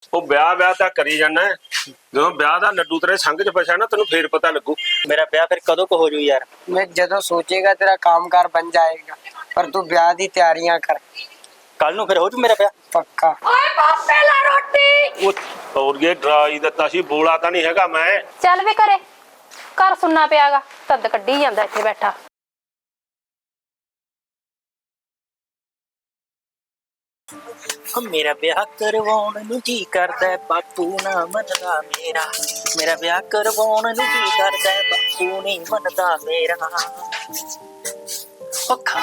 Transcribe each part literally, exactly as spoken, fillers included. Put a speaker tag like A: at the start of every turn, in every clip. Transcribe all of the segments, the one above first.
A: ਉਹ ਵਿਆਹ ਵਿਆਹ ਤਾਂ ਕਰੀ ਜਾਣਾ ਜਦੋਂ ਵਿਆਹ ਦਾ ਲੱਡੂ ਤੇਰੇ ਸੰਗ ਚ ਫਸਿਆ ਨਾ ਤੈਨੂੰ ਫੇਰ ਪਤਾ ਲੱਗੂ।
B: मेरा ब्याह फिर कदों को हो जू यार?
C: मैं जदों सोचेगा तेरा कामकार बन जाएगा, पर तू ब्याह दी तैयारियां कर।
B: कल नू फिर हो जू मेरा ब्याह
C: पक्का।
D: ओए पापे ला रोटी।
A: ਉਹ और ये डरा ही ਦਿੱਤਾ ਸੀ ਬੋਲਾ ਤਾਂ ਨਹੀਂ ਹੈਗਾ ਮੈਂ।
D: ਚੱਲ ਵੇ ਘਰੇ ਘਰ ਸੁਣਨਾ ਪਿਆਗਾ ਤਦ ਕੱਢੀ ਜਾਂਦਾ ਇੱਥੇ ਬੈਠਾ।
B: मेरा ब्याह करवाउण नू जी करदा बापू ना मनदा मेरा। मेरा ब्याह करवाउण नू जी करदा बापू नहीं मनदा मेरा। पक्का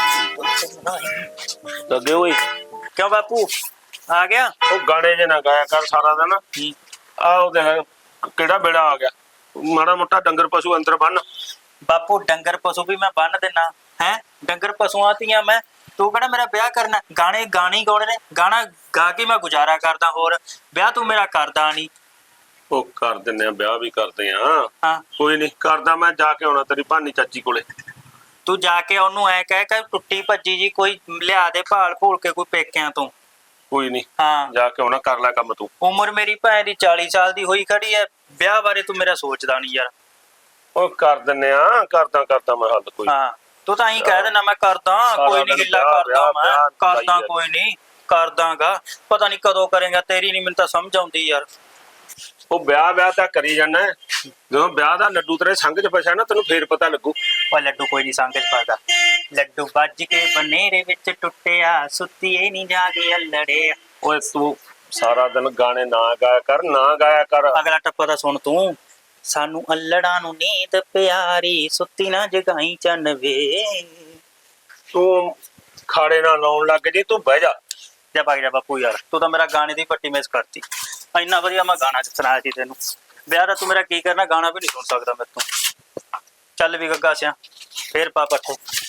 A: ਲੱਗੇ ਓਏ
B: क्यों बापू आ गया?
A: ਉਹ ਗਾਣੇ ਜੇ ਨਾ ਗਾਇਆ ਕਰ ਸਾਰਾ ਦਿਨ। ਆ ਉਹ ਦੇਖ ਕਿਹੜਾ ਬੇੜਾ ਆ ਗਿਆ। ਮਾੜਾ ਮੋਟਾ ਡੰਗਰ ਪਸ਼ੂ ਅੰਦਰ ਬੰਨ।
B: बापू डंगर पशु भी मैं बन देना है। डंगर पशुआं तीयां मैं तू कहना मेरा ब्याह करना। गाने गाने गौने ने गाना गा के मैं गुजारा करदा, होर ब्याह तू मेरा करदा नहीं।
A: ਉਹ ਕਰ ਦਿੰਨੇ ਆ ਵਿਆਹ ਵੀ ਕਰਦੇ ਆ।
B: हाँ
A: ਕੋਈ ਨਹੀਂ ਕਰਦਾ ਮੈਂ ਜਾ ਕੇ ਆਉਣਾ ਤੇਰੀ ਭਾਨੀ ਚਾਚੀ ਕੋਲੇ।
B: तू जाके ओनू ऐ कह कि टुट्टी भज्जी जी कोई लिया दे भाल भूल के कोई पेकियां तू।
A: ਕੋਈ ਨਹੀਂ
B: हाँ
A: ਜਾ ਕੇ ਆਉਣਾ ਕਰ ਲੈ ਕੰਮ ਤੂੰ।
B: उम्र मेरी भैन दी चाली साल दी होई खड़ी है, ब्याह बारे तू मेरा सोचदा नहीं यार।
A: ਉਹ ਕਰ ਦਿੰਨੇ ਆ ਕਰਦਾ ਕਰਦਾ ਮੈਂ ਹੱਲ ਕੋਈ।
B: हाँ तू तो यही कह देना मैं करदा कोई नहीं, हिला करदा मैं करदा कोई नहीं करदागा। पता नहीं कदों करेगा तेरी नहीं मैनूं तां समझ आउंदी यार।
A: ਉਹ ਵਿਆਹ ਵਿਆਹ ਤਾਂ ਕਰੀ ਜਾਣਾ ਜਦੋਂ ਵਿਆਹ ਦਾ ਲੱਡੂ ਤੇਰੇ ਸੰਗ ਚ ਫਸਿਆ ਨਾ ਤੈਨੂੰ ਫੇਰ ਪਤਾ ਲੱਗੂ।
B: ਉਹ ਲੱਡੂ ਕੋਈ ਨਹੀਂ ਸੰਗ ਚ ਫਸਦਾ। ਲੱਡੂ ਵੱਜ ਕੇ ਬਨੇਰੇ ਵਿੱਚ ਟੁੱਟਿਆ, ਸੁੱਤੀਏ ਨਹੀਂ ਜਾਗੇ ਅਲੜੇ।
A: ਓਏ ਤੂੰ ਸਾਰਾ ਦਿਨ ਗਾਣੇ ਨਾ ਗਾਇਆ ਕਰ ਨਾ ਗਾਇਆ ਕਰ।
B: ਅਗਲਾ ਟੱਪਾ ਤਾਂ ਸੁਣ ਤੂੰ। ਸਾਨੂੰ ਅਲੜਾਂ ਨੂੰ ਨੀਂਦ ਪਿਆਰੀ, ਸੁੱਤੀ ਨਾ ਜਗਾਈ ਚੰਨ ਵੇ।
A: ਤੂੰ ਖਾੜੇ ਨਾਲ ਲਾਉਣ ਲੱਗ ਜੀ ਤੂੰ ਬਹਿ ਜਾ।
B: ਜਾ ਭਾਗ ਜਾ ਬਾਪੂ ਯਾਰ, ਤੂੰ ਤਾਂ ਮੇਰਾ ਗਾਣੇ ਦੀ ਪੱਟੀ ਮਿਸ ਕਰਤੀ। ਇੰਨਾ ਵਧੀਆ ਮੈਂ ਗਾਣਾ ਚ ਸੁਣਾਇਆ ਸੀ ਤੈਨੂੰ। ਵਿਆਹ ਦਾ ਤੂੰ ਮੇਰਾ ਕੀ ਕਰਨਾ, ਗਾਣਾ ਵੀ ਨਹੀਂ ਸੁਣ ਸਕਦਾ ਮੇਰੇ ਤੋਂ। ਚੱਲ ਵੀ ਗੱਗਾ ਸਿਆ ਫੇਰ ਪਾ ਪੱਠੇ।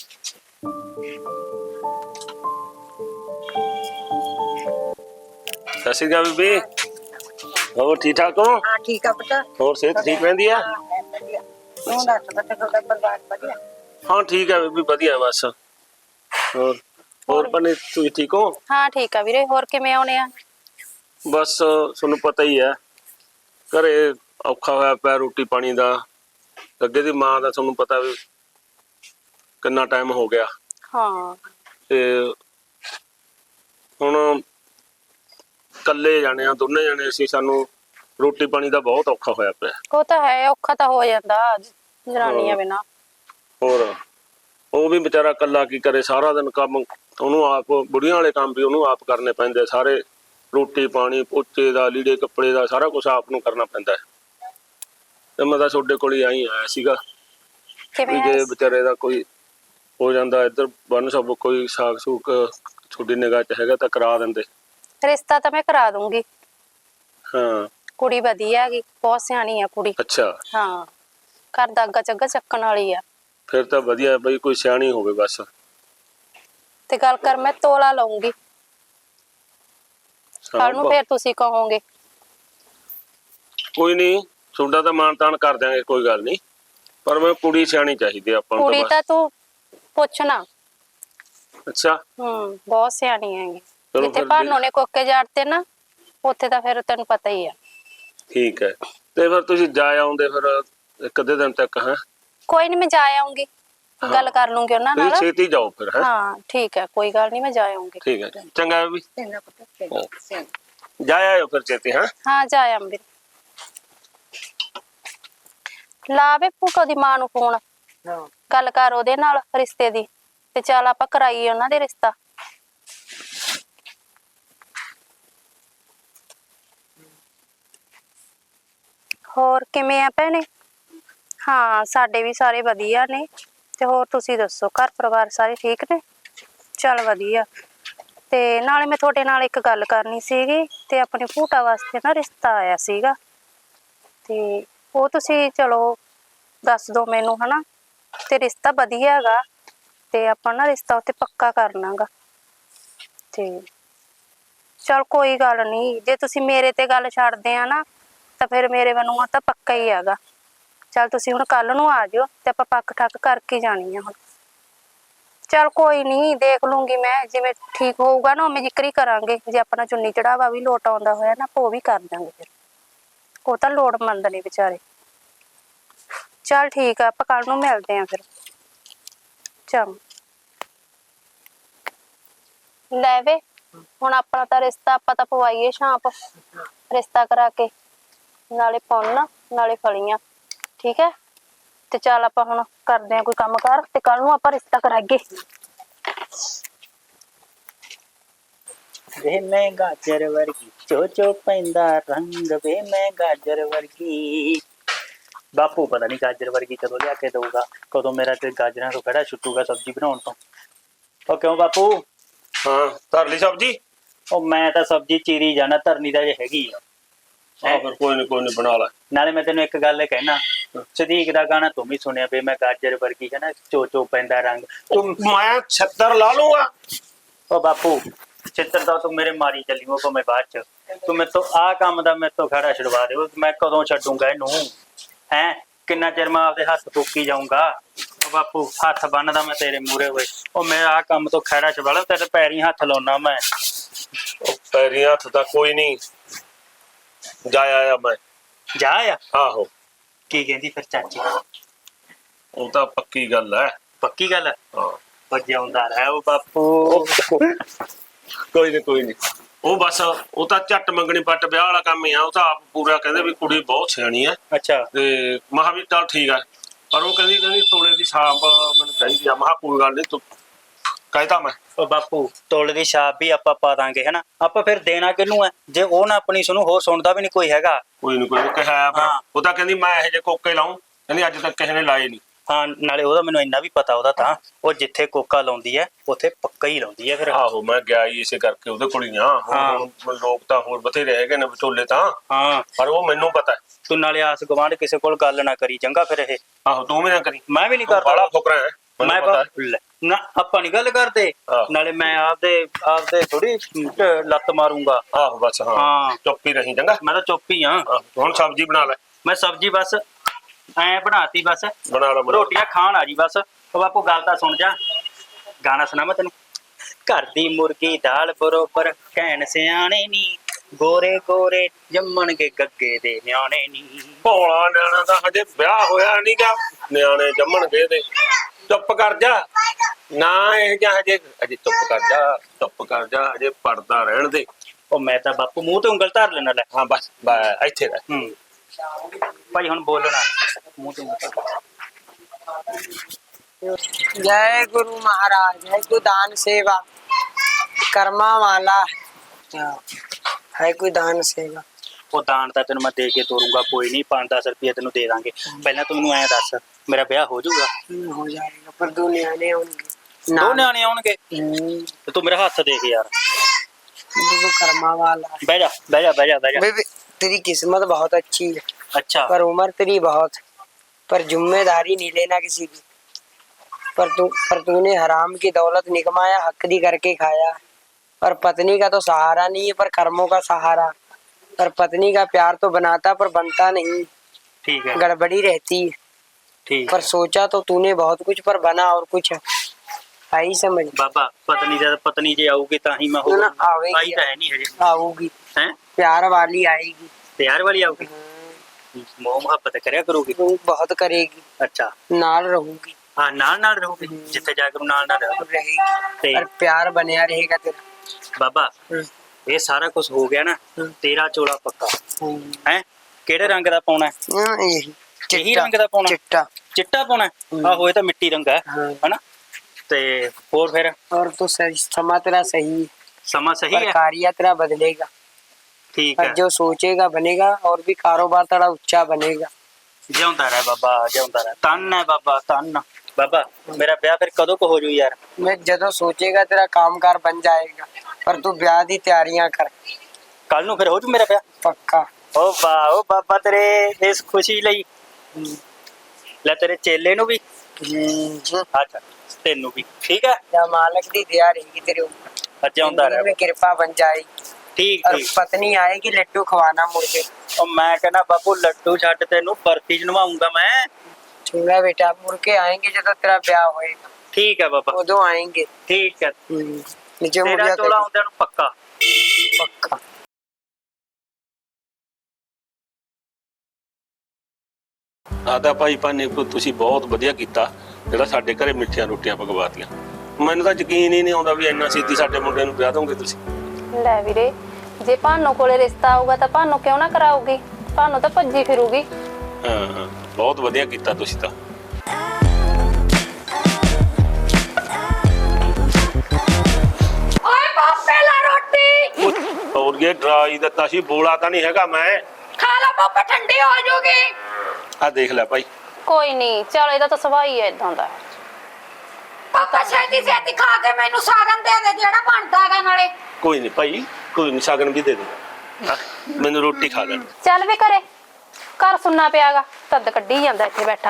A: ਸਤਿ ਸ਼੍ਰੀ ਅਕਾਲ ਬੀਬੀ, ਹੋਰ ਠੀਕ ਠਾਕ ਹੋ?
E: हाँ ठीक है बेटा।
A: ਹੋਰ ਸਿਹਤ ਠੀਕ ਰਹਿੰਦੀ ਆ?
E: तू दस बेटा थोड़ा परिवार बढ़िया?
A: ਹਾਂ ਠੀਕ ਹੈ ਬੀਬੀ ਵਧੀਆ ਬਸ। ਹੋਰ ਹੋਰ ਬਣੇ ਤੁਸੀਂ ਠੀਕ ਹੋ?
D: ਹਾਂ ਠੀਕ ਆ ਵੀਰੇ, ਹੋਰ ਕਿਵੇਂ ਆਉਣੇ ਆ?
A: ਬਸ ਤੁਹਾਨੂੰ ਪਤਾ ਹੀ ਹੈ ਘਰੇ ਔਖਾ ਹੋਇਆ ਪਿਆ ਰੋਟੀ ਪਾਣੀ ਦਾ। ਅੱਗੇ ਦੀ ਮਾਂ ਦਾ ਤੁਹਾਨੂੰ ਪਤਾ ਵੀ ਕਿੰਨਾ ਟਾਈਮ ਹੋ ਗਿਆ
D: ਹਾਂ
A: ਤੇ ਹੁਣ ਕੱਲੇ ਜਾਣੇ ਆ ਦੋਨੇ ਜਾਣੇ ਅਸੀਂ, ਸਾਨੂੰ ਰੋਟੀ ਪਾਣੀ ਦਾ ਬਹੁਤ ਔਖਾ ਹੋਇਆ ਪਿਆ।
D: ਉਹ ਤਾਂ ਹੈ, ਔਖਾ ਤਾਂ ਹੋ ਜਾਂਦਾ ਜਨਾਨੀਆਂ ਬਿਨਾਂ।
A: ਹੋਰ ਉਹ ਵੀ ਵਿਚਾਰਾ ਕੱਲਾ ਕੀ ਕਰੇ, ਸਾਰਾ ਦਿਨ ਕੰਮ ਉਹਨੂੰ ਆਪ, ਬੁੜੀਆਂ ਵਾਲੇ ਕੰਮ ਵੀ ਉਹਨੂੰ ਆਪ ਕਰਨੇ ਪੈਂਦੇ ਸਾਰੇ। ਰੋਟੀ ਪਾਣੀ ਪੋਚੇ ਦਾ ਲੀੜੇ ਕੱਪੜੇ ਦਾ ਸਾਰਾ ਕੁਝ ਆਪ ਨੂੰ ਕਰਨਾ ਪੈਂਦਾ ਹੈ। ਤੇ ਮੈਂ ਤਾਂ ਤੁਹਾਡੇ ਕੋਲ ਹੀ ਆਈ ਆਇਆ ਸੀਗਾ ਵੀ ਜੇ ਵਿਚਾਰੇ ਦਾ ਕੋਈ ਹੋ ਜਾਂਦਾ ਇੱਧਰ ਬੰਨ ਸਭ ਕੋਈ ਸਾਗ ਸੂਕ ਤੁਹਾਡੀ ਨਿਗਾਹ ਚ ਹੈਗਾ ਤਾਂ ਕਰਾ ਦਿੰਦੇ।
D: ਰਿਸ਼ਤਾ ਤਾਂ ਮੈਂ ਕਰਾ ਦੂੰਗੀ।
A: ਹਾਂ
D: ਕੁੜੀ ਵਧੀਆ ਹੈਗੀ, ਬਹੁਤ ਸਿਆਣੀ ਆ ਕੁੜੀ।
A: ਅੱਛਾ
D: ਹਾਂ ਘਰ ਦਾ ਅੱਗਾ ਚੱਗਾ ਚੱਕਣ ਵਾਲੀ ਆ।
A: ਫਿਰ ਤਾਂ ਵਧੀਆ ਬਈ, ਕੋਈ ਸਿਆਣੀ ਹੋਵੇ ਬਸ।
D: ਤੇ ਗੱਲ ਕਰ ਮੈਂ ਤੋਲਾ ਲਾਉਂਗੀ, ਕੱਲ ਨੂੰ ਫੇਰ ਤੁਸੀਂ ਕਹੋਗੇ।
A: ਕੋਈ ਨਹੀਂ ਤੁਹਾਡਾ ਤਾਂ ਮਾਣ ਤਾਣ ਕਰ ਦਿਆਂਗੇ, ਕੋਈ ਗੱਲ ਨਹੀਂ, ਪਰ ਮੈਂ ਕੁੜੀ ਸਿਆਣੀ ਚਾਹੀਦੀ ਆਪਾਂ ਨੂੰ।
D: ਕੁੜੀ ਤਾਂ ਤੂੰ ਪੁੱਛਣਾ।
A: ਅੱਛਾ
D: ਹੂੰ ਬਹੁਤ ਸਿਆਣੀ ਹੈਗੀ।
A: ਚਲੋ
D: ਜਿੱਥੇ
A: ਫਿਰ
D: ਭਾਨੋ ਨੇ ਕੋਕੇ ਜਾੜਤੇ ਨਾ ਉੱਥੇ ਤਾਂ ਫਿਰ ਤੈਨੂੰ ਪਤਾ ਹੀ ਆ।
A: ਠੀਕ ਹੈ ਤੇ ਫਿਰ ਤੁਸੀਂ ਜਾ ਆਉਂਦੇ ਫਿਰ ਇੱਕ ਅੱਧੇ ਦਿਨ ਤੱਕ। ਹੈ
D: ਕੋਈ ਨਹੀਂ ਮੈਂ ਜਾ ਆਉਂਗੀ, ਗੱਲ ਕਰ ਲੂੰਗੀ ਉਹਨਾਂ ਨਾਲ।
A: ਤੁਸੀਂ ਛੇਤੀ ਜਾਓ ਫਿਰ। ਹੈ
D: ਹਾਂ ਠੀਕ ਹੈ, ਕੋਈ ਗੱਲ ਨਹੀਂ ਮੈਂ ਜਾ ਆਉਂਗੀ।
A: ਠੀਕ ਹੈ ਚੰਗਾ ਵੀ
E: चंगा बेटा चंगा चंगा।
A: ਜਾ ਆਇਓ ਫਿਰ ਛੇਤੀ। ਹੈ
D: ਹਾਂ ਜਾ ਆਉਂਗੀ। ਲਾ ਵੇ ਭੂਟੋ ਦੀ ਮਾਂ ਨੂੰ ਫੋਨ,
E: हाँ
D: ਗੱਲ ਕਰ ਉਹਦੇ ਨਾਲ ਰਿਸ਼ਤੇ ਦੀ, ਤੇ ਚੱਲ ਆਪਾਂ ਕਰਾਈਏ ਉਹਨਾਂ ਦੇ ਰਿਸ਼ਤਾ। ਹੋਰ ਕਿਵੇਂ ਆ ਭੈਣੇ? ਹਾਂ ਸਾਡੇ ਵੀ ਸਾਰੇ ਵਧੀਆ ਨੇ। ਤੇ ਹੋਰ ਤੁਸੀਂ ਦੱਸੋ, ਘਰ ਪਰਿਵਾਰ ਸਾਰੇ ਠੀਕ ਨੇ? ਚੱਲ ਵਧੀਆ। ਤੇ ਨਾਲੇ ਮੈਂ ਤੁਹਾਡੇ ਨਾਲ ਇੱਕ ਗੱਲ ਕਰਨੀ ਸੀਗੀ, ਤੇ ਆਪਣੇ ਭੂਟਾ ਵਾਸਤੇ ਨਾ ਰਿਸ਼ਤਾ ਆਇਆ ਸੀਗਾ, ਤੇ ਉਹ ਤੁਸੀਂ ਚਲੋ ਦੱਸ ਦੋ ਮੈਨੂੰ, ਹਨਾ। ਤੇ ਰਿਸ਼ਤਾ ਵਧੀਆ ਹੈਗਾ, ਤੇ ਆਪਾਂ ਨਾ ਰਿਸ਼ਤਾ ਉੱਤੇ ਪੱਕਾ ਕਰਨਾਗਾ। ਤੇ ਚਲ ਕੋਈ ਗੱਲ ਨਹੀਂ, ਜੇ ਤੁਸੀਂ ਮੇਰੇ ਤੇ ਗੱਲ ਛੱਡਦੇ ਆ ਨਾ ਤਾਂ ਫਿਰ ਮੇਰੇ ਵੱਲੋਂ ਤਾਂ ਪੱਕਾ ਹੀ ਹੈਗਾ। ਚੱਲ ਤੁਸੀਂ ਹੁਣ ਕੱਲ ਨੂੰ ਆ ਜਿਓ ਤੇ ਆਪਾਂ ਪੱਕ ਠੱਕ ਕਰਕੇ ਜਾਣੀ ਆ ਹੁਣ। चल कोई नहीं, देख लूंगी मैं, जिवें ठीक होऊगा ना उवें जिक्र ही करांगे। जे अपना चुन्नी चढ़ावा भी लोट आउंदा होया ना वो भी कर दांगे फिर, वो तां लोड़मंद ने बेचारे। चल ठीक है, आपां कल नूं मिलदे आं फिर। चल ले वे, हुण अपना तां रिश्ता आपां तां पवाईए छांप, रिश्ता करा के नाले पुन्न नाले फलियां, ठीक है। ते चल आपां हुण करदे आं कोई काम कार, ते कल नूं आपां रिश्ता करागे।
B: वे मैं गाजर वर्गी चो चो पैंदा रंग, वे मैं गाजर वर्गी। बापू पता नहीं गाजर वर्गी कदों लिया के दूगा, कदों मेरा ते गाजरां तो खड़ा छुट्टूगा सब्जी बनाउण तो। ओ क्यों बापू?
A: हाँ धर ली सब्जी।
B: ओ मैं तां सब्जी चीरी जाना, धरनी तां जे हैगी आ।
A: हाँ फिर कोई नहीं कोई नहीं बना ला।
B: नाले मैं तेन एक गल कहना, सदीक दा गाना तुम ही सुनिया वे मैं गाजर वर्गी है ना चो चो पैंदा रंग।
A: तुम मैं छत्तर ला लूंगा।
B: ओ बापू चित्र दा तू मेरे मारी चली वो भावें बाद च, तू मैं तो आ काम दा मैं तो खड़ा छुड़वा दे, मैं कदों छड्डूंगा इनू हैं? किन्ना चिर मैं आपदे हत्थ फूकी जाऊंगा। ओ बापू हत्थ बन्नदा मैं तेरे मूरे होए, ओ मैं आ काम तो खड़ा छुड़वा ला, तेरे पैरी हत्थ लाउना मैं।
A: पैरी हत्थ दा कोई नहीं, जा आया मैं।
B: जा आ?
A: आहो
B: की कहंदी फिर चाची?
A: ਉਹ ਤਾਂ ਪੱਕੀ ਗੱਲ ਹੈ।
B: पक्की गल है?
A: ਹਾਂ
B: ओ जिउंदा रहे ओ बापू।
A: ਕੋਈ ਨਹੀਂ ਕੋਈ ਨਹੀਂ, ਉਹ ਬਸ ਉਹ ਤਾਂ ਝੱਟ ਮੰਗਣੀ ਪੱਟ ਵਿਆਹ ਵਾਲਾ ਕੰਮ ਹੀ ਆ। ਉਹ ਤਾਂ ਆਪ ਪੂਰਾ ਕਹਿੰਦੇ ਵੀ ਕੁੜੀ ਬਹੁਤ ਸਿਆਣੀ ਆ
B: अच्छा
A: ਤੇ ਮਹਾ ਵੀ ਚੱਲ ਠੀਕ ਆ, ਪਰ ਉਹ ਕਹਿੰਦੀ ਕਹਿੰਦੀ ਤੋਲੇ ਦੀ ਛਾਪ ਮੈਨੂੰ ਚਾਹੀਦੀ ਆ। ਮਹਾ ਕੋਈ ਗੱਲ ਨਹੀਂ, ਤੂੰ ਕਹਿਤਾ ਮੈਂ।
B: ओ बापू तोले दी छाप भी आपां पा दांगे है ना, आपां फिर देना किनू है जे ओ ना अपनी सुनू, होर सुनदा भी नहीं कोई हैगा।
A: ਕੋਈ ਨਹੀਂ ਕੋਈ ਨੀ ਕਿਹਾ ਆ।
B: ਹਾਂ।
A: ਉਹ ਤਾਂ ਕਹਿੰਦੀ ਮੈਂ ਇਹੋ ਜਿਹੇ ਕੋਕੇ ਲਾਉਂ, ਕਹਿੰਦੀ ਅੱਜ ਤੱਕ ਕਿਸੇ ਨੇ ਲਾਏ ਨਹੀਂ।
B: ਹਾਂ ਨਾਲੇ ਉਹਦਾ ਮੈਨੂੰ ਇੰਨਾ ਵੀ ਪਤਾ, ਉਹਦਾ ਤਾਂ ਉਹ ਜਿੱਥੇ ਕੋਕਾ ਲਾਉਂਦੀ ਹੈ ਉੱਥੇ ਪੱਕਾ ਹੀ ਲਾਉਂਦੀ ਹੈ ਫਿਰ।
A: ਆਹੋ ਮੈਂ ਗਿਆ ਹੀ ਇਸੇ ਕਰਕੇ ਉਹਦੇ ਕੋਲ ਹੀ ਆ।
B: ਹਾਂ।
A: ਹੁਣ ਲੋਕ ਤਾਂ ਹੋਰ ਬਥੇਰੇ ਹੈਗੇ ਨੇ ਵਿਚੋਲੇ ਤਾਂ,
B: ਹਾਂ
A: ਪਰ ਉਹ ਮੈਨੂੰ ਪਤਾ ਹੈ।
B: ਤੂੰ ਨਾਲੇ ਆਸ ਗਵਾਂਢ ਕਿਸੇ ਕੋਲ ਗੱਲ ਨਾ ਕਰੀ ਚੰਗਾ ਫਿਰ ਇਹ।
A: ਆਹੋ ਤੂੰ ਵੀ ਨਾ ਕਰੀ,
B: ਮੈਂ ਵੀ ਨਹੀਂ
A: ਬੜਾ
B: ਕਰਦਾ।
A: ਫੁਕਰਾ ਹੈ
B: ਮੈਂ
A: ਮੈਨੂੰ ਪਤਾ ਹੈ।
B: ਲੈ, ਨਾ ਆਪਾਂ ਨਹੀਂ ਗੱਲ ਕਰਦੇ,
A: ਆਹੋ।
B: ਨਾਲੇ ਮੈਂ ਆਪਦੇ ਆਪਦੇ ਥੋੜੀ ਲੱਤ ਮਾਰੂੰਗਾ।
A: ਆਹੋ ਬਸ ਹਾਂ
B: ਹਾਂ।
A: ਚੁੱਪ ਹੀ ਰਹੀ ਚੰਗਾ।
B: ਮੈਂ ਤਾਂ ਚੁੱਪ ਹੀ ਹਾਂ।
A: ਆਹੋ, ਹੁਣ ਸਬਜ਼ੀ ਬਣਾ ਲੈ।
B: ਮੈਂ ਸਬਜ਼ੀ ਬਸ ਐ ਬਣਾਤੀ, ਬਸ
A: ਬਣਾ ਲੈ ਬਣਾ ਲੈ।
B: ਰੋਟੀਆਂ ਖਾਣ ਆ ਜੀ ਬਸ। ਉਹ ਬਾਪੂ ਗੱਲ ਤਾਂ ਸੁਣ ਜਾ, ਗਾਣਾ ਸੁਣਾ ਮੈਂ ਤੈਨੂੰ। ਘਰ ਦੀ ਮੁਰਗੀ ਦਾਲ ਬਰੋਬਰ ਕਹਿਣ ਸਿਆਣੇ ਨੀ, ਗੋਰੇ ਗੋਰੇ ਜੰਮਣਗੇ ਗੱਗੇ ਦੇ ਨਿਆਣੇ ਨੀ।
A: ਭੋਲਾ ਨਿਆਣਾ ਦਾ ਹਜੇ ਵਿਆਹ ਹੋਇਆ ਨਹੀਂ ਗਾ, ਨਿਆਣੇ ਜੰਮਣਗੇ ਤੇ। ਚੁੱਪ ਕਰ ਜਾ ਨਾ, ਇਹ ਜਾਂ ਹਜੇ ਹਜੇ ਚੁੱਪ ਕਰ ਜਾ, ਚੁੱਪ ਕਰ ਜਾ, ਹਜੇ ਪੜਦਾ ਰਹਿਣ ਦੇ।
B: ਉਹ ਮੈਂ ਤਾਂ ਬਾਪੂ ਮੂੰਹ ਤੇ ਉਂਗਲ ਧਰ ਲੈਣਾ ਲੈ।
A: ਹਾਂ ਬਸ ਬਸ ਇੱਥੇ ਰਹਿ।
B: ਹੂੰ ਭਾਈ ਹੁਣ ਬੋਲਣਾ ਮੂੰਹ ਤੇ ਉਂਗਲ ਧਰ।
C: जय गुरु महाराज, है कोई दान सेवा कर्मा वाला, है कोई दान सेवा।
B: ਉਹ ਦਾਨ ਤਾਂ ਤੈਨੂੰ ਮੈਂ ਦੇ ਕੇ ਤੋਰੂੰਗਾ, ਕੋਈ ਨਹੀਂ, ਪੰਜ ਦਸ ਰੁਪਏ ਤੈਨੂੰ ਦੇ ਦਾਂਗੇ। ਪਹਿਲਾਂ ਤੂੰ ਮੈਨੂੰ ਐਂ ਦੱਸ, ਮੇਰਾ ਵਿਆਹ ਹੋ ਜਾਊਗਾ?
C: हम्म, हो जाएगा, पर दो न्याणे होंगे।
B: ਦੋ
C: ना-
B: ਨਿਆਣੇ ਆਉਣਗੇ?
C: हम्म,
B: ਤੇ ਤੂੰ ਮੇਰਾ ਹੱਥ ਦੇਖ ਯਾਰ।
C: वो कर्मा वाला है।
B: ਬਹਿ ਜਾ ਬਹਿ ਜਾ ਬਹਿ ਜਾ ਬਹਿ ਜਾ।
C: बेबी, तेरी किस्मत बहुत अच्छी है,
B: ਅੱਛਾ
C: पर उम्र तेरी बहुत, पर जिम्मेदारी नहीं लेना किसी की। पर तू पर तूने हराम की दौलत निकमाया, हक दी करके खाया। पर पत्नी का तो सहारा नहीं है, पर कर्मों का सहारा। पर पत्नी का प्यार तो बनाता पर बनता नहीं,
B: ਠੀਕ ਹੈ
C: गड़बड़ी रहती है।
B: ਠੀਕ
C: पर
B: ਹੈ।
C: सोचा तो तूने बहुत कुछ, पर बना और कुछ है। आई समझ
B: ਬਾਬਾ ਪਤਨੀ ਜਦ ਪਤਨੀ ਜੇ ਆਊਗੀ ਤਾਂ ਹੀ ਮੈਂ
C: ਨਾ, ਨਾ,
B: ਹੋਊਗਾ।
C: ਆਵੇਗੀ।
B: ਆਈ ਤਾਂ ਹੈ ਨਹੀਂ ਹਜੇ
C: आऊगी,
B: ਹੈ।
C: प्यार वाली आएगी।
B: ਪਿਆਰ ਵਾਲੀ ਆਊਗੀ, ਮੋਹ ਮੁਹੱਬਤ ਕਰਿਆ ਕਰੂਗੀ।
C: तू बहुत करेगी,
B: ਅੱਛਾ
C: नाल रहूगी,
B: ਹਾਂ ਨਾਲ ਨਾਲ ਰਹੂਗੀ, ਜਿੱਥੇ ਜਾ ਕੇ ਨਾਲ ਨਾਲ ਰਹੂਗੀ।
C: रहेगी,
B: ਤੇ
C: पर प्यार बनिया रहेगा तेरा।
B: ਬਾਬਾ
C: हम्म,
B: ਇਹ ਸਾਰਾ ਕੁਝ ਹੋ ਗਿਆ ਨਾ,
C: ਹਮ।
B: ਤੇਰਾ ਚੋਲਾ ਪੱਕਾ
C: हम्म,
B: ਹੈ। ਕਿਹੜੇ ਰੰਗ ਦਾ ਪਾਉਣਾ ਹੈ?
C: हाँ, यही
B: ਇਹੀ
C: चिट्टा,
B: ਰੰਗ ਦਾ ਪਾਉਣਾ?
C: चिट्टा।
B: ਚਿੱਟਾ ਪਾਉਣਾ ਹੈ?
C: ਹਮ।
B: ਆਹੋ ਇਹ ਤਾਂ ਮਿੱਟੀ ਰੰਗ ਹੈ
C: हाँ।
B: ਹਨਾ। ਤੇ ਹੋਰ ਫਿਰ
C: और तो सही समा तेरा सही है,
B: ਸਮਾਂ ਸਹੀ
C: पर
B: ਹੈ?
C: कार्य तेरा बदलेगा।
B: ਠੀਕ
C: और
B: ਹੈ।
C: जो सोचेगा बनेगा, और भी कारोबार तेरा ऊंचा बनेगा।
B: ਜਿਉਂਦਾ ਰਹਿ ਬਾਬਾ, ਜਿਉਂਦਾ ਰਹਿ। ਧੰਨ ਹੈ ਬਾਬਾ, ਧੰਨ। ਬਾਬਾ ਮੇਰਾ ਵਿਆਹ ਫਿਰ ਕਦੋਂ ਕੁ ਹੋ ਜੂ ਯਾਰ?
C: मैं जदों सोचेगा तेरा कामकार बन जाएगा, पर तू ब्याह दी तैयारियां कर,
B: ਕੱਲ ਨੂੰ ਫਿਰ ਹੋ ਜੂ ਮੇਰਾ ਵਿਆਹ?
C: पक्का।
B: ਓ ਵਾਹ ਓ ਬਾਬਾ ਤੇਰੇ ਇਸ ਖੁਸ਼ੀ ਲਈ ਲੈ ਤੇਰੇ ਚੇਲੇ ਨੂੰ ਵੀ,
C: हम्म,
B: ਅੱਛਾ ਤੈਨੂੰ ਵੀ, ਠੀਕ ਹੈ।
C: या मालक दी दया रहेगी तेरे ऊपर,
B: ਜਿਉਂਦਾ
C: जिंदगी
B: ਰਹਿ।
C: में कृपा बन जाएगी।
B: ਠੀਕ
C: और
B: ਠੀਕ।
C: पत्नी आएगी लड्डू खवाना मुझे।
B: ਉਹ ਮੈਂ ਕਹਿੰਦਾ ਬਾਪੂ ਲੱਡੂ ਛੱਡ ਤੈਨੂੰ ਬਰਫੀ ਚ ਨਵਾਉਂਗਾ ਮੈਂ।
C: चूड़ा बेटा, मुड़ के आएंगे जब तेरा ब्याह होएगा।
B: ठीक है बाबा,
C: उदो आएंगे।
B: ठीक है।
C: हम्म, नीचे
B: तेरा
C: मुड़िया
B: चोला
C: कर
B: आउंदे नु पक्का।
C: पक्का।
A: ਆਦਾ ਭਾਈ ਭਾਨੇ ਕੋ ਤੁਸੀਂ ਬਹੁਤ ਵਧੀਆ ਕੀਤਾ ਜਿਹੜਾ ਸਾਡੇ ਘਰੇ ਮਿੱਠੀਆਂ ਰੋਟੀਆਂ ਪਕਵਾਤੀਆਂ। ਮੈਨੂੰ ਤਾਂ ਯਕੀਨ ਹੀ ਨਹੀਂ ਆਉਂਦਾ ਵੀ ਇੰਨਾ ਛੇਤੀ ਸਾਡੇ ਮੁੰਡੇ ਨੂੰ ਵਿਆਹ ਦੋਗੇ ਤੁਸੀਂ।
D: ਲੈ ਵੀਰੇ, ਜੇ ਭਾਨੋ ਕੋਲੇ ਰਿਸ਼ਤਾ ਆਊਗਾ ਤਾਂ ਭਾਨੋ ਕਿਉਂ ਨਾ ਕਰਾਊਗੀ? ਭਾਨੋ ਤਾਂ ਭੱਜੀ ਫਿਰੂਗੀ।
A: ਹਾਂ ਹਾਂ, ਬਹੁਤ ਵਧੀਆ ਕੀਤਾ ਤੁਸੀਂ ਤਾਂ।
F: ਓਏ ਪਾਪੇ ਲਾ ਰੋਟੀ
A: और ये ड्राई ਦਿੱਤਾ ਸੀ, ਬੋਲਾ ਤਾਂ ਨਹੀਂ ਹੈਗਾ ਮੈਂ।
F: ਖਾ ਲਾ ਪਾਪਾ, ਠੰਡੀ ਹੋ ਜਾਊਗੀ।
A: ਆ ਦੇਖ ਲੈ ਭਾਈ।
D: ਕੋਈ ਨਹੀਂ, ਚਲ ਇਹਦਾ ਤਾਂ ਸੁਭਾਅ ਹੀ ਇਦਾਂ ਦਾ।
F: ਪਾਪਾ ਛੇਤੀ ਛੇਤੀ ਖਾ ਕੇ ਮੈਨੂੰ ਸਾਗਨ ਦੇ ਦੇ ਜਿਹੜਾ ਬਣਦਾ ਹੈਗਾ ਨਾਲੇ।
A: ਕੋਈ ਨਹੀਂ ਭਾਈ, ਕੋਈ ਨਹੀਂ, ਸ਼ਗਨ ਵੀ ਦੇ ਦੇ। ਹਾਂ, ਮੈਨੂੰ ਰੋਟੀ ਖਾ ਲੈਣ।
D: ਚੱਲ ਵੀ ਘਰੇ, ਘਰ ਸੁਣਨਾ ਪਿਆਗਾ, ਤਦ ਕੱਢੀ ਜਾਂਦਾ ਇੱਥੇ ਬੈਠਾ।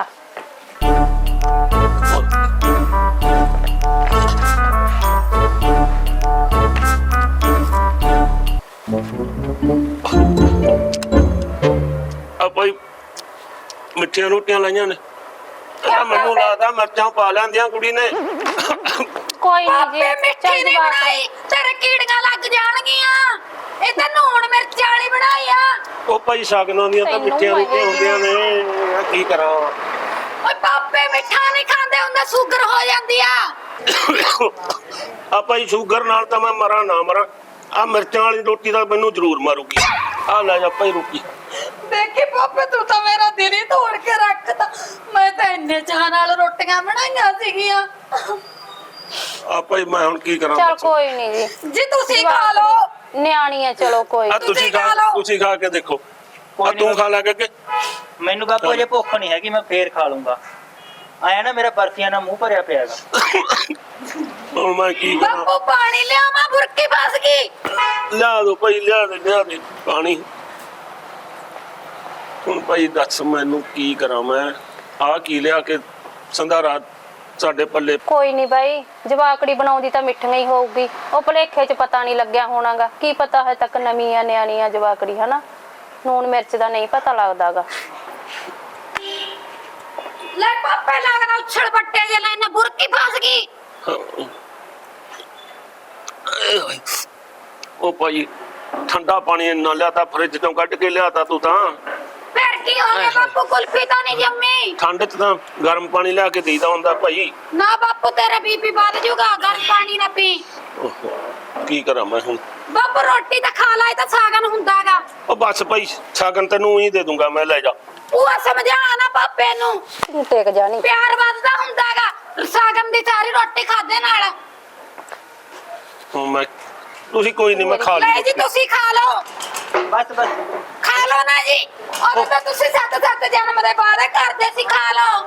A: ਆ ਭਾਈ ਮਿੱਠੀਆਂ ਰੋਟੀਆਂ ਲਾਈਆਂ ਨੇ। ਆ ਮੈਨੂੰ ਲੱਗਦਾ ਮਿਰਚਾਂ ਪਾ ਲੈਂਦੀਆਂ ਕੁੜੀ ਨੇ।
D: ਕੋਈ ਨਹੀਂ ਜੀ,
F: ਪਾਪੇ ਮਿੱਠੀ ਨਹੀਂ
D: ਜਵਾਕ।
F: ਬਣਾਈ, ਤੇਰੇ ਕੀੜੀਆਂ ਲੱਗ ਜਾਣਗੀਆਂ। ਇਹ ਤਾਂ ਨੂਣ ਮਿਰਚ ਵਾਲੀ ਬਣਾਈ ਆ।
A: ਉਹ ਭਾਈ ਸ਼ਗਨਾਂ ਦੀਆਂ ਤਾਂ
D: ਤੈਨੂੰ
A: ਮਿੱਠੀਆਂ ਰੋਟੀਆਂ
D: ਇਹ-
A: ਹੁੰਦੀਆਂ ਨੇ। ਆ ਕੀ ਕਰਾਂ?
F: ਓਏ ਪਾਪੇ ਮਿੱਠਾ ਨਹੀਂ ਖਾਂਦੇ ਹੁੰਦੇ, ਸ਼ੂਗਰ ਹੋ ਜਾਂਦੀ ਆ।
A: ਆ ਭਾਈ ਸ਼ੂਗਰ ਨਾਲ ਤਾਂ ਮੈਂ ਮਰਾਂ ਨਾ ਮਰਾਂ, ਆ ਮਿਰਚਾਂ ਵਾਲੀ ਰੋਟੀ ਤਾਂ ਮੈਨੂੰ ਜ਼ਰੂਰ ਮਾਰੂਗੀ। ਆ ਲੈ ਜਾ ਭਾਈ ਰੋਟੀ।
F: ਦੇਖੀ ਪਾਪੇ, ਤੂੰ ਤਾਂ ਮੇਰਾ ਦਿਲ ਹੀ ਤੋੜ ਕੇ ਰੱਖਤਾ। ਮੈਂ ਤਾਂ ਇੰਨੇ ਚਾਹ ਨਾਲ ਰੋਟੀਆਂ ਬਣਾਈਆਂ ਸੀਗੀਆਂ।
A: ਆ ਭਾਈ ਮੈਂ ਹੁਣ ਕੀ ਕਰਾਂ?
D: ਚੱਲ ਕੋਈ ਨਹੀਂ ਜੀ,
F: ਜੀ ਤੁਸੀਂ ਖਾ ਲਓ।
D: ਨਿਆਣੀ ਆ, ਚਲੋ ਕੋਈ
A: ਆ
D: ਨੀ।
A: ਤੁਸੀਂ ਖਾ, ਤੁਸੀਂ ਖਾ ਕੇ ਦੇਖੋ। ਆ ਤੂੰ ਖਾ ਲੈ ਕੇ।
B: ਮੈਨੂੰ ਬਾਪੂ ਅਜੇ ਭੁੱਖ ਨਹੀਂ ਹੈਗੀ, ਮੈਂ ਫੇਰ ਖਾ ਲੂੰਗਾ। ਆਇਆ ਨਾ ਮੇਰਾ ਬਰਫੀਆਂ ਨਾਲ ਮੂੰਹ ਭਰਿਆ ਪਿਆਗਾ।
A: ਹੁਣ ਮੈਂ ਕੀ ਕਰਾਂ?
F: ਬਾਪੂ ਪਾਣੀ ਲਿਆਵਾਂ, ਬੁਰਕੀ ਫਸ ਗਈ।
A: ਲਿਆ ਦੋ ਭਾਈ, ਲਿਆ ਦੇ ਲਿਆ ਦੇ ਪਾਣੀ। ਹੁਣ ਭਾਈ ਦੱਸ ਮੈਨੂੰ ਕੀ ਕਰਾਂ ਮੈਂ? ਆ ਕੀ ਲਿਆ ਕੇ ਸੰਧਾਰਾ ਸਾਡੇ ਪੱਲੇ।
D: ਕੋਈ ਨਹੀਂ ਬਾਈ, ਜਵਾਕੜੀ ਬਣਾਉਂਦੀ ਤਾਂ ਮਿੱਠੀਆਂ ਹੀ ਹੋਊਗੀ। ਉਹ ਭਲੇਖੇ 'ਚ ਪਤਾ ਨਹੀਂ ਲੱਗਿਆ ਹੋਣਾਗਾ। ਕੀ ਪਤਾ ਹੈ ਤੱਕ ਨਵੀਂ ਆ ਨਿਆਣੀ ਆ ਜਵਾਕੜੀ, ਹਨਾ। ਨੂਣ ਮਿਰਚ ਦਾ ਨਹੀਂ ਪਤਾ ਲੱਗਦਾਗਾ।
F: ਲੈ ਪਾਪੇ ਲੱਗਦਾ ਉਛਲ ਬੱਟੇ ਜੇ ਲੈਨੇ, ਬੁਰਕੀ ਫਸ ਗਈ।
A: ਉਹ ਭਾਈ ਠੰਡਾ ਪਾਣੀ ਇੰਨਾ ਲਿਆ ਤਾਂ ਫਰਿੱਜ ਤੋਂ ਕੱਢ ਕੇ ਲਿਆ ਤਾ ਤੂੰ ਤਾਂ।
F: ਫਿਰ ਕੀ ਹੋ ਗਿਆ ਬਾਪੂ, ਕੁਲਫੀ ਤਾਂ ਨਹੀਂ ਜੰਮੀ।
A: ਠੰਡ 'ਚ ਤਾਂ ਗਰਮ ਪਾਣੀ ਲਿਆ ਕੇ ਦੇਈਦਾ ਹੁੰਦਾ ਭਾਈ।
F: ਨਾ ਬਾਪੂ, ਤੇਰਾ ਬੀਪੀ ਵੱਧ ਜਾਊਗਾ, ਗਰਮ ਪਾਣੀ ਨਾ ਪੀ।
A: ਓਹੋ, ਕੀ ਕਰਾਂ ਮੈਂ ਹੁਣ?
F: ਬਾਪੂ ਰੋਟੀ ਤਾਂ ਖਾ ਲੈ, ਇਹ ਤਾਂ ਸਾਗਨ ਹੁੰਦਾਗਾ।
A: ਉਹ ਬਸ ਭਾਈ, ਸ਼ਗਨ ਤੈਨੂੰ ਹੀ ਦੇ ਦੂੰਗਾ ਮੈਂ, ਲੈ ਜਾ।
F: ਉਹ ਸਮਝਾ ਨਾ ਪਾਪੇ ਨੂੰ,
D: ਤੂੰ ਟੇਕ ਜਾਣੀ।
F: ਪਿਆਰ ਵੱਧਦਾ ਹੁੰਦਾਗਾ ਸਾਗਨ ਦੀ ਸਾਰੀ ਰੋਟੀ ਖਾਦੇ ਨਾਲ।
A: ਹੁਣ ਮੈਂ, ਤੁਸੀਂ ਕੋਈ ਨਹੀਂ, ਮੈਂ ਖਾ
F: ਲੈ
A: ਲਈ।
F: ਜੀ ਤੁਸੀਂ ਖਾ ਲਓ,
B: ਬਸ ਬਸ
F: ਖਾ ਲਓ ਨਾ ਜੀ। ਉਦੋਂ ਤਾਂ ਤੁਸੀਂ ਸੱਤ ਸੱਤ ਜਨਮ ਦੇ ਵਾਅਦੇ ਕਰਦੇ ਸੀ। ਖਾ ਲਓ,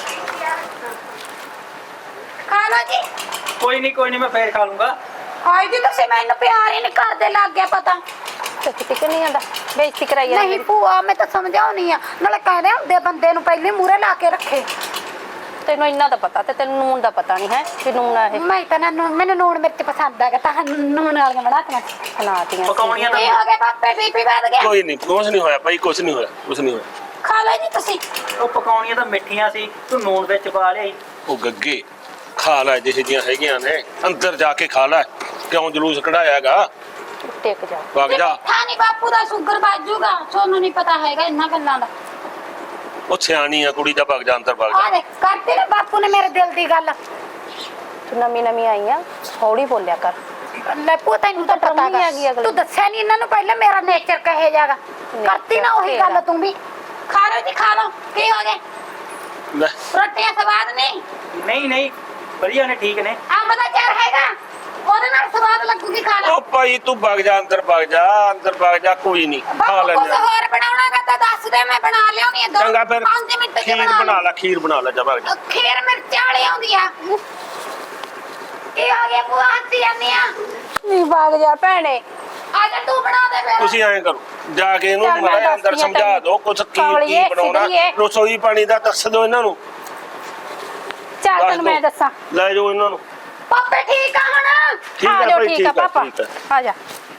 F: ਖਾ ਲਓ ਜੀ।
B: ਕੋਈ ਨਹੀਂ ਕੋਈ ਨਹੀਂ, ਮੈਂ ਫੇਰ ਖਾ ਲੂੰਗਾ।
F: ਹਾਏ ਜੀ, ਤੁਸੀਂ ਮੈਨੂੰ ਪਿਆਰ ਹੀ ਨਹੀਂ ਕਰਦੇ, ਲੱਗ ਗਿਆ ਪਤਾ।
D: ਟਿਕ ਟਿਕ ਨਹੀਂ ਆਂਦਾ, ਬੇਇੱਜ਼ਤੀ ਕਰਾਈ ਜਾਂਦੀ।
F: ਨਹੀਂ ਭੂਆ, ਮੈਂ ਤਾਂ ਸਮਝਾਉਣੀ ਆ, ਨਾਲੇ ਕਹਿੰਦੇ ਹੁੰਦੇ ਬੰਦੇ ਨੂੰ ਪਹਿਲੇ ਮੂਹਰੇ ਲਾ ਕੇ ਰੱਖੇ।
D: ਤੈਨੂੰ ਇੰਨਾ ਤਾਂ ਪਤਾ ਤੇ ਤੈਨੂੰ ਨੂਣ ਦਾ ਪਤਾ ਨਹੀਂ ਹੈ ਕਿ ਨੂਣ ਆ ਇਹ।
F: ਮੈਂ ਤਾਂ ਨਾ ਨੂਣ- ਮੈਨੂੰ ਨੂਣ ਮਿਰਚ ਪਸੰਦ ਹੈਗਾ, ਤਾਂ ਨੂਣ ਵਾਲੀਆਂ ਬਣਾਤੀਆਂ।
D: ਬਣਾਤੀਆਂ
B: ਪਕਾਉਣੀਆਂ ਤਾਂ
F: ਇਹ ਹੋ ਗਿਆ ਪਾਪੇ, ਬੀਪੀ ਵੱਧ ਗਿਆ।
A: ਕੋਈ ਨਹੀਂ, ਕੁਛ ਨਹੀਂ ਹੋਇਆ ਭਾਈ, ਕੁਛ ਨਹੀਂ ਹੋਇਆ, ਕੁਛ ਨਹੀਂ ਹੋਇਆ।
F: ਖਾ ਲਓ ਜੀ ਤੁਸੀਂ।
B: ਉਹ ਪਕਾਉਣੀਆਂ ਤਾਂ ਮਿੱਠੀਆਂ ਸੀ, ਤੂੰ ਨੂਣ ਵਿੱਚ ਪਾ ਲਿਆਈ।
A: ਉਹ ਗੱਗੇ ਖਾ ਲੈ ਜਿਹੇ ਜੀਆਂ ਹੈਗੀਆਂ ਨੇ, ਅੰਦਰ ਜਾ ਕੇ ਖਾ ਲੈ। ਕਿਉਂ ਜਲੂਸ ਕਢਾਇਆਗਾ?
D: ਟਿਕ ਜਾ।
A: ਵਗ ਜਾ।
F: ਮਿੱਠਾ ਨਹੀਂ ਬਾਪੂ ਦਾ, ਸ਼ੂਗਰ ਵੱਜ ਜਾਊਗਾ। ਤੁਹਾਨੂੰ ਨਹੀਂ ਪਤਾ ਹੈਗਾ ਇਹਨਾਂ ਗੱਲਾਂ ਦਾ।
A: ਉਹ ਸਿਆਣੀ ਆ ਕੁੜੀ, ਦਾ ਵਗ ਜਾ ਅੰਦਰ, ਵਗ
F: ਆ
A: ਜਾ।
F: ਦੇਖ, ਕਰਤੀ ਨਾ ਬਾਪੂ ਨੇ ਮੇਰੇ ਦਿਲ ਦੀ ਗੱਲ।
D: ਤੂੰ ਨਵੀਂ ਨਵੀਂ ਆਈ ਆ, ਹੌਲੀ ਬੋਲਿਆ ਕਰ।
F: ਲੈ ਭੂਆ, ਤੈਨੂੰ ਤਾਂ ਪਤਾ
D: ਨਹੀਂ ਹੈਗੀ
F: ਹੈਗਾ,
D: ਅਗਲੀ।
F: ਤੂੰ ਦੱਸਿਆ ਨਹੀਂ ਇਹਨਾਂ ਨੂੰ ਪਹਿਲਾਂ ਮੇਰਾ ਨੇਚਰ ਕਹੇ ਜਾਗਾ। ਕਰਤੀ ਨਾ ਉਹੀ ਗੱਲ ਤੂੰ ਵੀ। ਖਾ ਲਓ ਜੀ, ਖਾ ਲਓ। ਕੀ ਹੋ ਗਿਆ?
A: ਲੈ
F: ਰੋਟੀਆਂ ਸਵਾਦ ਨਹੀਂ?
B: ਨਹੀਂ ਨਹੀਂ, ਵਧੀਆ ਨੇ, ਠੀਕ ਨੇ।
F: ਅੰਬ ਦਾ ਚਾਰ ਹੈਗਾ, ਉਹਦੇ ਨਾਲ ਸਵਾਦ ਲੱਗੂਗੀ। ਖਾ ਲਓ
A: ਉਹ ਭਾਈ ਤੂੰ ਵਗ ਜਾ ਅੰਦਰ, ਵਗ ਜਾ ਅੰਦਰ, ਵਗ ਜਾ। ਕੋਈ ਨਹੀਂ, ਖਾ
F: ਬਾਪੂ, ਕੁਝ
A: ਲੈਂਦੇ।
F: ਹੋਰ ਬਣਾਉਣਾਗਾ ਤਾਂ ਦੱਸ ਦੇ, ਮੈਂ ਬਣਾ ਲਿਆਉਣੀ ਆ। ਦੋ
A: ਚੰਗਾ ਫਿਰ
F: ਪੰਜ ਮਿੰਟ ਚ
A: ਖੀਰ
F: ਬਣਾ
A: ਬਣਾ ਲੈ, ਖੀਰ ਬਣਾ ਲੈ, ਜਾ ਵਗ ਜਾ।
F: ਖੀਰ ਮਿਰਚਾਂ ਵਾਲੀ ਆਉਂਦੀ ਆ। ਕੀ ਹੋ ਗਿਆ ਭੂਆ, ਹੱਸੀ ਜਾਂਦੀ ਆ?
D: ਨਹੀਂ ਭਾਗ ਜਾ ਭੈਣੇ।
F: ਆ ਜਾ ਤੂੰ ਬਣਾ ਦੇ ਫਿਰ।
A: ਤੁਸੀਂ ਐਂ ਕਰੋ, ਜਾ ਕੇ ਇਹਨੂੰ
D: ਚੱਲ ਮੈਂ
A: ਮਾੜਾ ਅੰਦਰ
D: ਦੱਸਦੀ ਆ
A: ਸਮਝਾ
D: ਤੈਨੂੰ।
A: ਦਿਓ ਕੁਛ ਕੀ ਕੀ
D: ਕਮਲੀਏ,
A: ਬਣਾਉਣਾ।
D: ਸਿੱਧੀਏ।
A: ਰਸੋਈ ਪਾਣੀ ਦਾ ਦੱਸ ਦਿਓ ਇਹਨਾਂ ਨੂੰ।
D: ਚੱਲ
A: ਦੱਸ
D: ਤੈਨੂੰ ਮੈਂ
A: ਦਿਓ।
D: ਦੱਸਾਂ।
A: ਲੈ ਜਾਓ ਇਹਨਾਂ ਨੂੰ।
F: ਪਾਪੇ ਠੀਕ ਆ ਹੁਣ?
A: ਠੀਕ
D: ਆ
A: ਹੈ
D: ਜਾਓ,
A: ਭਾਈ,
D: ਠੀਕ
A: ਠੀਕ
D: ਆ
A: ਹੈ,
D: ਪਾਪਾ,
A: ਠੀਕ ਹੈ।
D: ਆ ਜਾ।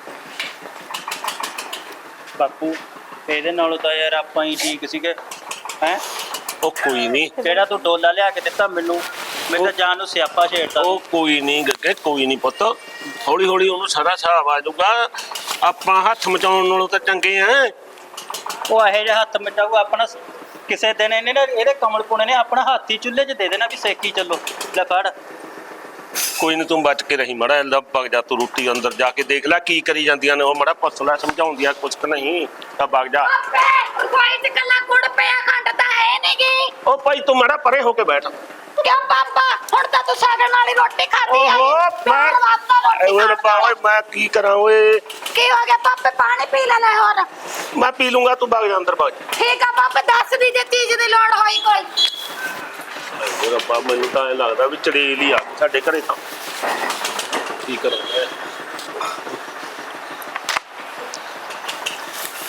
B: ਬਾਪੂ ਇਹਦੇ ਨਾਲੋਂ ਤਾਂ ਯਾਰ ਆਪਾਂ ਹੀ ਠੀਕ ਸੀਗੇ। ਹੈ
A: ਉਹ ਕੋਈ ਨਹੀਂ,
B: ਜਿਹੜਾ ਤੂੰ ਡੋਲਾ ਲਿਆ ਕੇ ਦਿੱਤਾ ਮੈਨੂੰ, ਮੇਰੇ ਤਾਂ ਜਾਨ ਨੂੰ ਸਿਆਪਾ ਛੇੜਦਾ
A: ਉਹ ਕੋਈ ਨਹੀਂ ਗੱਗੇ, ਕੋਈ ਨਹੀਂ ਪੁੱਤ, ਹੌਲੀ ਹੌਲੀ ਉਹਨੂੰ ਸਾਰਾ ਹਿਸਾਬ ਆ ਜਾਊਗਾ। ਆਪਾਂ ਹੱਥ ਮਚਾਉਣ ਨਾਲੋਂ ਤਾਂ ਚੰਗੇ ਆ।
B: ਉਹ ਇਹੋ ਜਿਹਾ ਹੱਥ ਮਿਟਾਊ ਆਪਣਾ ਕਿਸੇ ਦਿਨ ਇਹਨੇ ਨਾ ਇਹਦੇ ਕਮਲ ਪੁਣੇ ਨੇ ਆਪਣਾ ਹੱਥ ਹੀ ਚੁੱਲ੍ਹੇ 'ਚ ਦੇ ਦੇਣਾ ਵੀ ਸੇਕੀ ਚੱਲੋ। ਲੈ ਫੜ।
A: ਕੋਈ ਨਹੀਂ, ਤੂੰ ਬਚ ਕੇ ਰਹੀ ਮੜਾ, ਇਹਦਾ ਵਗ ਜਾ ਤੂੰ, ਰੋਟੀ ਅੰਦਰ ਜਾ ਕੇ ਦੇਖ ਲੈ ਕੀ ਕਰੀ ਜਾਂਦੀਆਂ ਨੇ ਉਹ, ਮੜਾ ਫਸਲਾ ਸਮਝਾਉਂਦੀਆਂ ਕੁਛ ਕੁ ਨਹੀਂ ਤਾਂ ਵਗ ਜਾ।
F: ਪਾਪੇ ਕੋਈ ਤੇ ਕੱਲਾ ਗੁੜ ਪਿਆ ਖੰਡ ਤਾਂ ਹੈ ਨਹੀਂਗੀ।
A: ਉਹ ਭਾਈ ਤੂੰ ਮੜਾ ਪਰੇ ਹੋ ਕੇ ਬੈਠ।
F: ਕਿਉਂ ਪਾਪਾ ਹੁਣ ਤਾਂ ਤੂੰ ਸਾਗਣ ਵਾਲੀ ਰੋਟੀ ਖਾਦੀ ਆ
A: ਓਹੋ ਮੈਂ ਓਏ ਰੱਬਾ, ਓਏ ਮੈਂ ਕੀ ਕਰਾਂ ਓਏ।
F: ਕੀ ਹੋ ਗਿਆ ਪਾਪੇ? ਪਾਣੀ ਪੀ ਲੈ ਲੈ ਹੋਰ।
A: ਮੈਂ ਪੀ ਲੂੰਗਾ, ਤੂੰ ਵਗ ਜਾ ਅੰਦਰ ਵਗ ਜਾ।
F: ਠੀਕ ਆ ਪਾਪੇ, ਦੱਸ ਦੀ ਜੇ ਚੀਜ਼ ਦੀ ਲੋੜ ਹੋਈ ਕੋਈ।
A: ਓਏ ਰੱਬਾ, ਮੈਨੂੰ ਤਾਂ ਐ ਲੱਗਦਾ ਵੀ ਚੜੇਲ ਹੀ ਆ ਸਾਡੇ ਘਰੇ ਤਾਂ। ਕੀ ਕਰਾਂ